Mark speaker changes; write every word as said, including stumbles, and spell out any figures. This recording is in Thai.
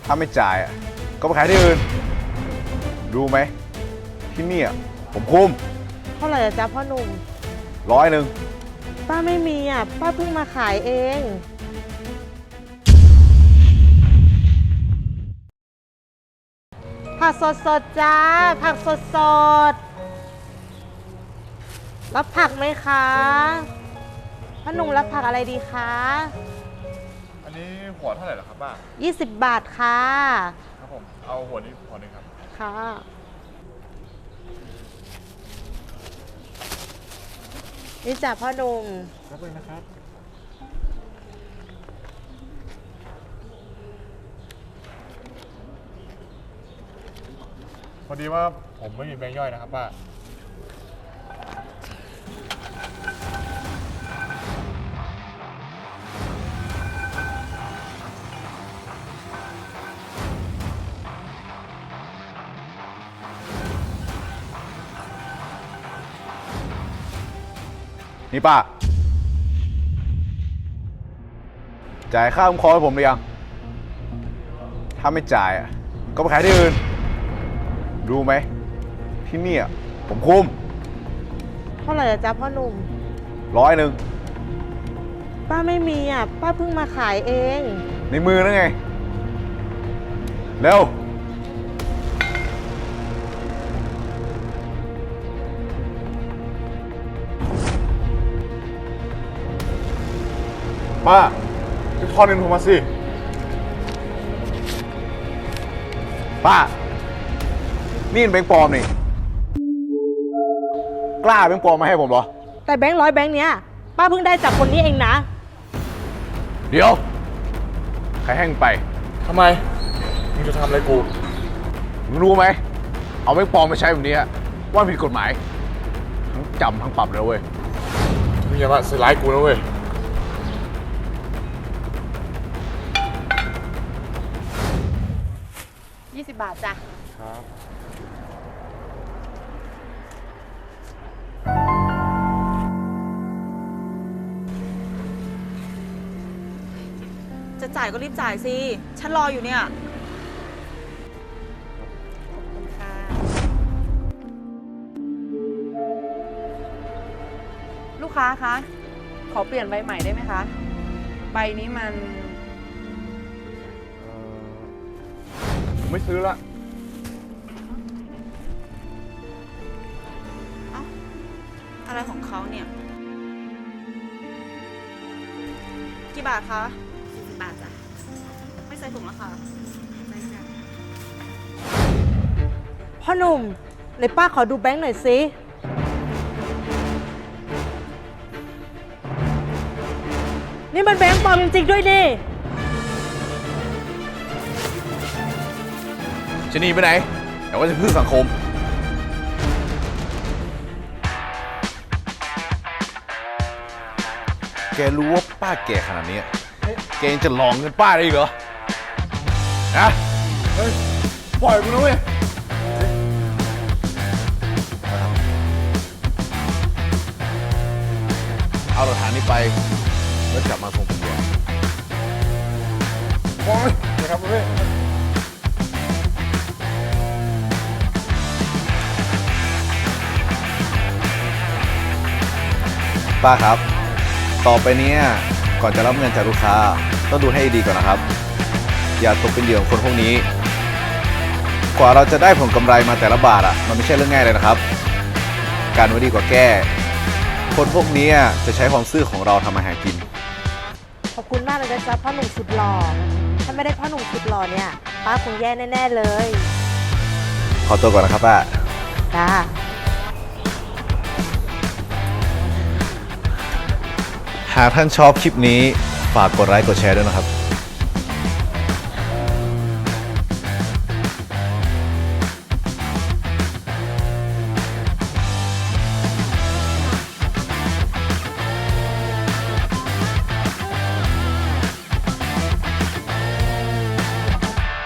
Speaker 1: ถ้าไม่จ่ายอ่ะก็ไปขายที่อื่นรู้ไหมที่นี่ผมคุม
Speaker 2: เท่าไหร่จ๊ะพ่อหนุ่ม
Speaker 1: ร้อยหนึ่ง
Speaker 2: ป้าไม่มีอ่ะป้าเพิ่งมาขายเองผักสดสดจ้าผักสดสดรับผักไหมคะพ่อหนุ่มรับผักอะไรดีคะ
Speaker 3: อันนี้หัวเท่าไหร่เหรอครับป้า
Speaker 2: ยี่สิบบาทค่ะ
Speaker 3: ครับผมเอาหัวนี้หัวหนึ่งครับ
Speaker 2: ค่ะนี่จ้ะพ่อหนุ่ม
Speaker 3: รับเลยนะครับพอดีว่าผมไม่มีแบงค์ย่อยนะครับป้า
Speaker 1: นี่ป้าจ่ายค่าคุ้มครองให้ผมหรือยังถ้าไม่จ่ายอ่ะก็ไปขายที่อื่นรู้ไหมที่นี่ผมคุม
Speaker 2: เท่าไหร่จ๊ะพ่อหนุ่ม
Speaker 1: ร้อยหนึ่ง
Speaker 2: ป้าไม่มีอ่ะป้าเพิ่งมาขายเอง
Speaker 1: ในมือนั่นไงเร็ว
Speaker 3: ป้าพี่ทอนเงินผมมาสิ
Speaker 1: ป้านี่เป็นแบงค์ปลอมนี่กล้าแบงค์ปลอมมาให้ผมเหรอ
Speaker 2: แต่แบงค์ร้อยแบงค์เนี้ยป้าเพิ่งได้จากคนนี้เองนะ
Speaker 1: เดี๋ยวใครแห้งไป
Speaker 3: ทำไมมึงจะทำอะไรกู
Speaker 1: มึงรู้ไหมเอาแบงค์ปลอมมาใช้แบบนี้ว่าผิดกฎหมายทั้งจำทั้งปรับเลยเว้ย
Speaker 3: มึงอย่ามาใส่ร้ายกูนะเว้ย
Speaker 2: ยี่สิบบาทจ้ะ
Speaker 3: ครับ
Speaker 4: จะจ่ายก็รีบจ่ายสิ ฉันรออยู่เนี่ย
Speaker 2: ขอบคุณค่ะ
Speaker 4: ลูกค้าคะ ขอเปลี่ยนใบใหม่ได้ไหมคะ ใบนี้มัน
Speaker 3: ผมไม่ซื้อละ
Speaker 4: เอ้าอะไรของเขาเนี่ย กี่บาทคะสี่สิบบาทจ้ะ ไม่ใส่ถุงแล้วค่ะใส่จ้ะ
Speaker 2: พ่อหนุ่มไหนป้าขอดูแบงค์หน่อยสินี่มันแบงค์ปลอมจริงๆด้วยดิ
Speaker 1: จะหนีไปไหนเดี๋ยวว่าจะพึ่งสังคมแกรู้ว่าป้าแก่ขนาดนี้แกยังจะหลอกเงินป้าได้อีกเหรอนะ
Speaker 3: เฮ้ยปล่อยกูนะเว้ย
Speaker 1: เอาหลักฐานนี้ไปแล้วจับมาส่งตำรวจ
Speaker 3: ปล่อยนะครับเว้ย
Speaker 1: ป้าครับต่อไปนี้ก่อนจะรับเงินจากลูกค้าต้องดูให้ดีก่อนนะครับอย่าตกเป็นเหยื่อของคนพวกนี้กว่าเราจะได้ผลกำไรมาแต่ละบาทอ่ะมันไม่ใช่เรื่องง่ายเลยนะครับการไว้ดีกว่าแก้คนพวกนี้จะใช้ความซื่อของเราทำมาหากิน
Speaker 2: ขอบคุณมากเลยนะจ๊ะพ่อหนุ่มสุดหล่อถ้าไม่ได้พ่อหนุ่มสุดหล่อเนี่ยป้าคงแย่แน่ๆเลย
Speaker 1: ขอตัวก่อนนะครับป้า
Speaker 2: จ้า
Speaker 1: หากท่านชอบคลิปนี้ฝากกดไลค์กดแชร์ด้วยนะครับ